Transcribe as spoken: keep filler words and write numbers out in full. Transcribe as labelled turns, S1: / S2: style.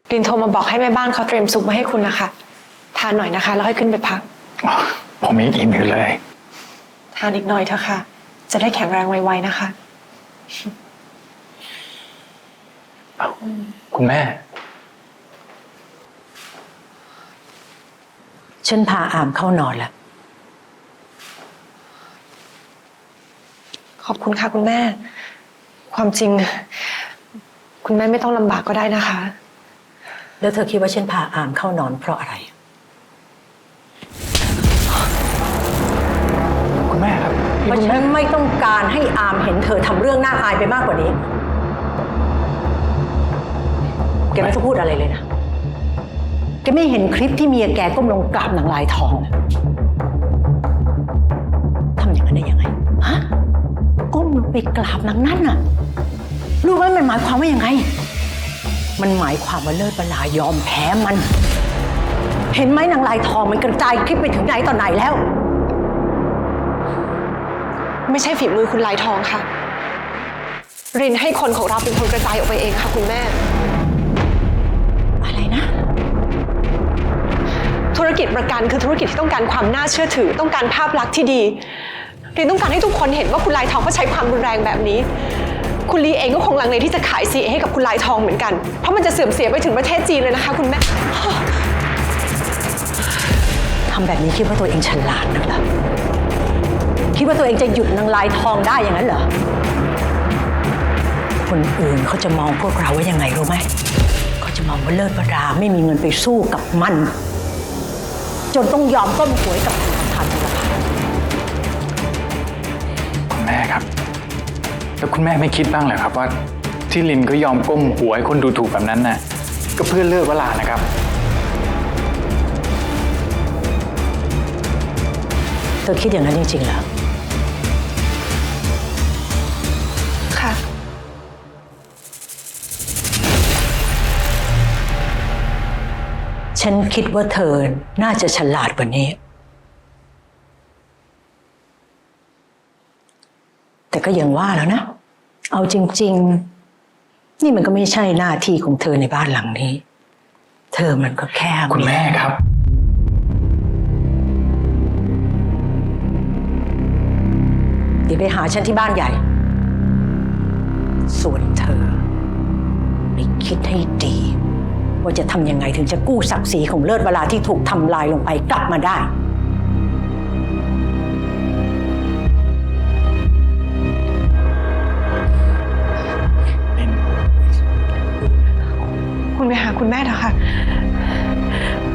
S1: ลินโทรมาบอกให้แม่บ้านเขาเตรียมซุปมาให้คุณนะคะทานหน่อยนะคะแล้วค่อยขึ้นไปพัก
S2: ผมยังอิ่มอยู่เลย
S1: ทานอีกหน่อยเถอะค่ะจะได้แข็งแรงไวๆนะคะ
S2: คุณแม่
S3: ฉันพาอามเข้านอนแล้ว
S1: ขอบคุณค่ะคุณแม่ความจริงคุณแม่ไม่ต้องลำบากก็ได้นะคะ
S3: แล้วเธอคิดว่าฉันพาอามเข้านอนเพราะอะไร
S2: คุณแม่ครับ
S3: เพราะฉันไม่ต้องการให้อามเห็นเธอทำเรื่องน่าอายไปมากกว่านี้แกไม่ต้องพูดอะไรเลยนะแกไม่เห็นคลิปที่เมียแกก้มลงกราบนางลายทองทำอย่างนั้นได้ยังไงฮะก้มลงไปกราบนางนั่นน่ะรู้ไหมมันหมายความว่ายังไงมันหมายความว่าเลิศบลายอมแพ้มันเห็นไหมนางลายทองมันกระจายคลิปไปถึงไหนต่อไหนแล้ว
S1: ไม่ใช่ฝีมือคุณลายทองค่ะรินให้คนของเราเป็นคนกระจายออกไปเองค่ะคุณแม่
S3: อะไรนะ
S1: ธุรกิจประกันคือธุรกิจที่ต้องการความน่าเชื่อถือต้องการภาพลักษณ์ที่ดีรินต้องการให้ทุกคนเห็นว่าคุณลายทองเขาใช้ความรุนแรงแบบนี้คุณลีเองก็คงลังเลที่จะขาย ซี เอ ให้กับคุณลายทองเหมือนกันเพราะมันจะเสื่อมเสียไปถึงประเทศจีนเลยนะคะคุณแม่
S3: ทำแบบนี้คิดว่าตัวเองฉลาดนักเหรอคิดว่าตัวเองจะหยุดนางลายทองได้อย่างนั้นเหรอคนอื่นเขาจะมองพวกเราว่ายังไงรู้ไหมเขาจะมองว่าเลิศวราไม่มีเงินไปสู้กับมันจนต้องยอมก้มหวยกับธนาคารธนาคาร
S2: คุณแม่ครับแล้วคุณแม่ไม่คิดบ้างเหรอครับว่าที่ลินก็ยอมก้มหัวให้คนดูถูกแบบนั้นน่ะก็เพื่อเลิกเวลานะครับ
S3: เธอคิดอย่างนั้นจริงๆเหรอ
S1: ค่ะ
S3: ฉันคิดว่าเธอน่าจะฉลาดกว่านี้แต่ก็ยังว่าแล้วนะเอาจริงๆนี่มันก็ไม่ใช่หน้าที่ของเธอในบ้านหลังนี้เธอมันก็แค่
S2: คุณแม่ครับ
S3: เดี๋ยวไปหาฉันที่บ้านใหญ่ส่วนเธอไปคิดให้ดีว่าจะทำยังไงถึงจะกู้ศักดิ์ศรีของเลิศวราที่ถูกทำลายลงไปกลับมาได้
S1: คุณไปหาคุณแม่เถอะค่ะ